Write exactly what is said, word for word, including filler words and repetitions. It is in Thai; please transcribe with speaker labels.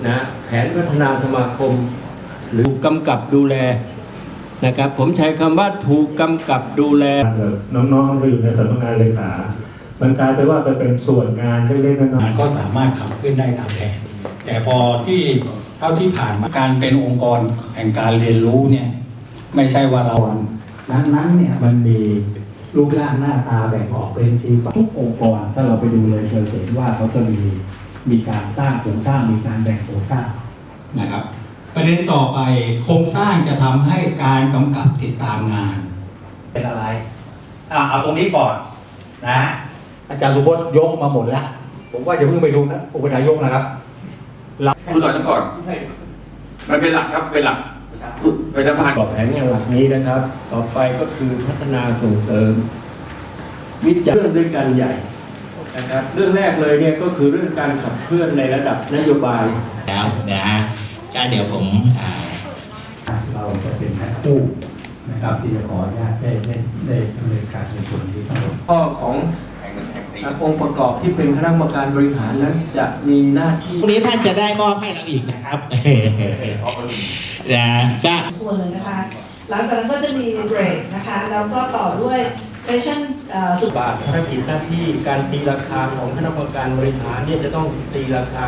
Speaker 1: นะแผนพัฒนาสมาคมหรือกำกับดูแลนะครับผมใช้คำว่าถูกกำกับดูแล
Speaker 2: น้องๆที่อยู่ในสำนักงานเลขามันกลายไปว่าไปเป็นส่วนงานเล็กๆน้อยๆ
Speaker 3: ก็สามารถขับเคลื่อนได้ตามแผนแต่พอที่เท่าที่ผ่านมาการเป็นองค์กรแห่งการเรียนรู้เนี่ยไม่ใช่ว่าเรานั้นนั้นเนี่ยมันมีรูปร่างหน้าตาแบ่งออกเป็นทีทุกองค์กรถ้าเราไปดูเลยเราจะเห็นว่าเขาจะมีมีการสร้างโครงสร้างมีการแบ่งโครงสร้างนะครับประเด็นต่อไปโครงสร้างจะทำให้การกำกับติดตามงานเป็นอะไรอ่ะเอาตรงนี้ก่อนนะอาจารย์สุพจน์ยกมาหมดแล้วผมว่าอย่าเพิ่งไปดูนะอุปนายกนะครับ
Speaker 4: พูดต่อจะก่อนมันเป็นหลักครับเป็นหลักเป็นสะพาน
Speaker 1: ต่อแผนงานหลักนี้นะครับต่อไปก็คือพัฒนาส่งเสริมวิจัยเรื่องด้วยกันใหญ่นะครับเรื่องแรกเลยเนี่ยก็คือเรื่องการขับเคลื่อนในระดับนโยบาย
Speaker 5: แล้วนะฮะก็เดี๋ยวผม
Speaker 3: เราจะเป็นแพ็คคู่นะครับที่จะขออนุญาตได้ได้ได้ดำเนินการในส่วนนี้ทั้งหมด
Speaker 1: ข้อขององค์ประกอบที่เป็นคณะกรรมการบริหารนั้นจะมีหน้าที่
Speaker 5: พรุ่งนี้ท่านจะได้มอบให้เราอีกนะครับนะก็
Speaker 6: ทัวร์เลยนะคะหลังจากนั้นก็จะมีเบรกนะคะแล้วก็ต่อด้วยเซสชั่น
Speaker 1: สุดบาทภารกิจหน้าที่การตีราคาของคณะกรรมการบริหารเนี่ยจะต้องตีราคา